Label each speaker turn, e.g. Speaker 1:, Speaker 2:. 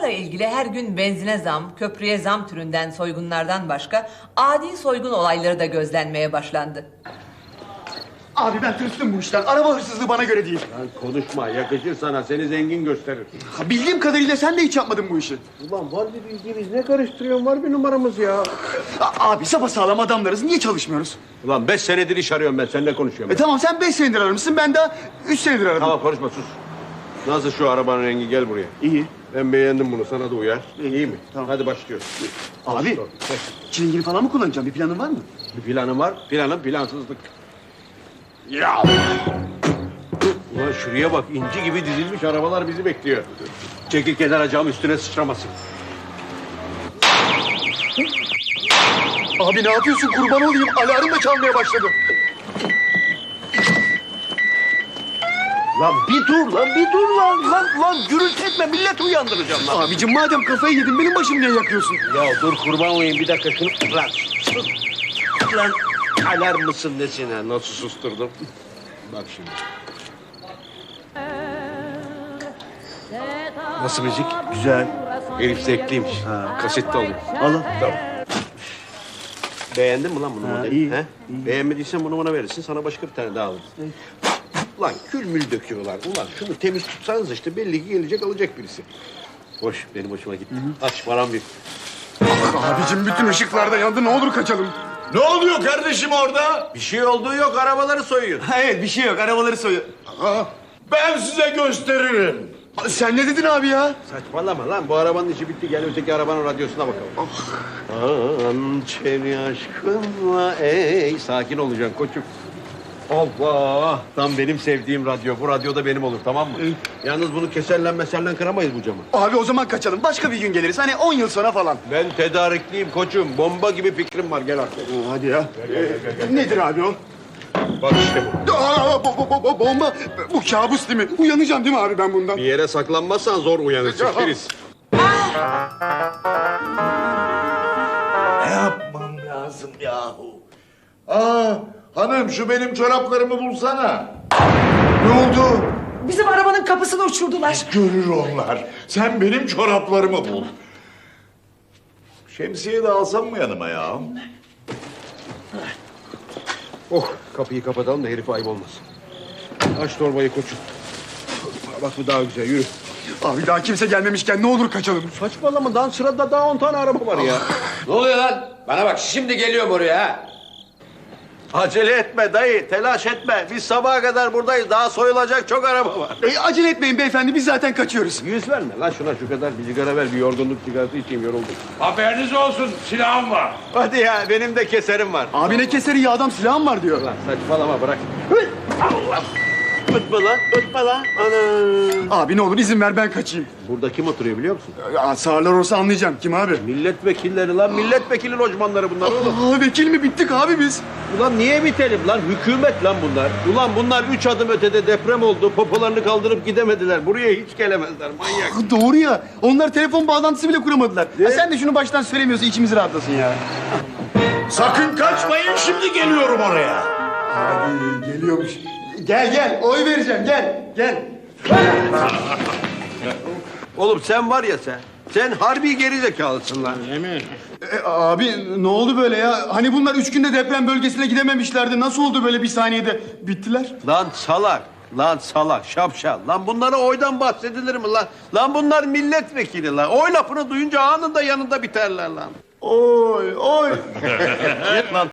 Speaker 1: Bunlarla ilgili her gün benzine zam, köprüye zam türünden soygunlardan başka adi soygun olayları da gözlenmeye başlandı.
Speaker 2: Abi ben tırstım bu işten. Araba hırsızlığı bana göre değil.
Speaker 3: Lan konuşma, yakışır sana, seni zengin gösterir.
Speaker 2: Bildiğim kadarıyla sen de hiç yapmadın bu işi.
Speaker 3: Ulan var bir bildiğimiz, ne karıştırıyorsun, var bir numaramız ya.
Speaker 2: Abi sapasağlam adamlarız. Niye çalışmıyoruz?
Speaker 3: Ulan 5 senedir iş arıyorum ben, seninle konuşuyorum.
Speaker 2: Tamam sen 5 senedir aramışsın. Ben daha 3 senedir aradım.
Speaker 3: Tamam konuşma, sus. Nasıl şu arabanın rengi, gel buraya.
Speaker 2: İyi.
Speaker 3: Ben beğendim bunu, sana da uyar. İyi mi?
Speaker 2: Tamam.
Speaker 3: Hadi başlıyoruz.
Speaker 2: Abi çilingiri falan mı kullanacağım? Bir planın var mı?
Speaker 3: Bir planım var, planım plansızlık. Ya! Ulan şuraya bak, inci gibi dizilmiş arabalar bizi bekliyor. Çekil kenara, cam üstüne sıçramasın.
Speaker 2: Abi ne yapıyorsun? Kurban olayım. Alarm da çalmaya başladı.
Speaker 3: Lan bir dur lan, bir dur lan. Lan gürültü etme, millet uyandıracağım lan.
Speaker 2: Abicim madem kafayı yedin benim başım niye yakıyorsun?
Speaker 3: Ya dur kurban olayım, bir dakika şunu... Lan sus. Lan alarm mısın nesine? Nasıl susturdum? Bak şimdi. Nasıl müzik?
Speaker 2: Güzel.
Speaker 3: Herif zevkliymiş. Kasette alayım.
Speaker 2: Alın.
Speaker 3: Tamam. Beğendin mi lan bunu modeli?
Speaker 2: iyi,
Speaker 3: He?
Speaker 2: iyi.
Speaker 3: Beğenmediysen bunu bana verirsin, sana başka bir tane daha alırız. Lan kül mül döküyorlar. Ulan şunu temiz tutsanız işte, belli ki gelecek alacak birisi. Hoş, benim hoşuma gitti. Aç param bir.
Speaker 2: Abicim bütün ışıklar da yandı. Ne olur kaçalım.
Speaker 4: Ne oluyor kardeşim orada?
Speaker 3: Bir şey olduğu yok, arabaları soyuyor.
Speaker 2: Evet bir şey yok. Arabaları soyuyor.
Speaker 4: Ben size gösteririm.
Speaker 2: Sen ne dedin abi ya?
Speaker 3: Saçmalama lan, bu arabanın işi bitti. Gel öteki arabanın radyosuna bakalım. Hançeri aşkınla ey. Sakin olacaksın koçum. Allah! Tam benim sevdiğim radyo. Bu radyo da benim olur, tamam mı? Yalnız bunu keserlen meserlen kıramayız bu camı.
Speaker 2: Abi o zaman kaçalım. Başka bir gün geliriz. Hani 10 yıl sonra falan.
Speaker 3: Ben tedarikliyim koçum. Bomba gibi fikrim var. Gel artık.
Speaker 2: Hadi ya. Nedir abi o?
Speaker 3: Bak işte bu.
Speaker 2: Bomba. Bu kabus değil mi? Uyanacağım değil mi abi ben bundan?
Speaker 3: Bir yere saklanmazsan zor uyanırsın Filiz.
Speaker 4: Ne yapmam lazım yahu? Hanım şu benim çoraplarımı bulsana. Ne oldu?
Speaker 5: Bizim arabanın kapısını uçurdular.
Speaker 4: Görür onlar. Sen benim çoraplarımı bul. Şemsiye de alsam mı yanıma ya?
Speaker 3: Oh, kapıyı kapatalım da herif ayıp olmasın. Aç torbayı koçum. Bak bu daha güzel, yürü.
Speaker 2: Abi daha kimse gelmemişken ne olur kaçalım.
Speaker 3: Saçmalama, daha sırada daha 10 tane araba var ya.
Speaker 6: Ne oluyor lan? Bana bak şimdi geliyorum oraya ha.
Speaker 3: Acele etme dayı, telaş etme. Biz sabaha kadar buradayız. Daha soyulacak çok araba var.
Speaker 2: Acele etmeyin beyefendi. Biz zaten kaçıyoruz.
Speaker 3: Yüz verme lan şuna, şu kadar bir sigara ver. Bir yorgunluk sigarası içeyim, yoruldum.
Speaker 4: Haberiniz olsun silahım var.
Speaker 3: Hadi ya, benim de keserim var.
Speaker 2: Abi ne keseri ya adam silahım var diyor.
Speaker 3: Lan saçmalama, bırak. Allah! Ötme lan, ötme lan. Ana!
Speaker 2: Abi ne olur izin ver ben kaçayım.
Speaker 3: Burada kim oturuyor biliyor musun?
Speaker 2: Sağırlar olsa anlayacağım. Kim abi?
Speaker 3: Milletvekilleri lan, milletvekili lojmanları bunlar oğlum.
Speaker 2: Vekil mi bittik abi biz?
Speaker 3: Ulan niye bitelim lan? Hükümet lan bunlar. Ulan bunlar 3 adım ötede deprem oldu. Popolarını kaldırıp gidemediler. Buraya hiç gelemezler, manyak.
Speaker 2: Doğru ya. Onlar telefon bağlantısı bile kuramadılar. Ha, sen de şunu baştan söylemiyorsun içimiz rahatlasın ya.
Speaker 4: Sakın kaçmayın şimdi geliyorum oraya.
Speaker 2: Abi geliyormuş. Gel oy vereceğim gel.
Speaker 3: Oğlum sen var ya sen. Sen harbi gerizekalısın lan.
Speaker 2: Abi ne oldu böyle ya? Hani bunlar 3 günde deprem bölgesine gidememişlerdi. Nasıl oldu böyle bir saniyede? Bittiler.
Speaker 3: Lan salak. Lan salak, şapşal. Lan bunlara oydan bahsedilir mi lan? Lan bunlar milletvekili lan. Oy lafını duyunca anında yanında biterler lan.
Speaker 2: Oy.
Speaker 3: Git lan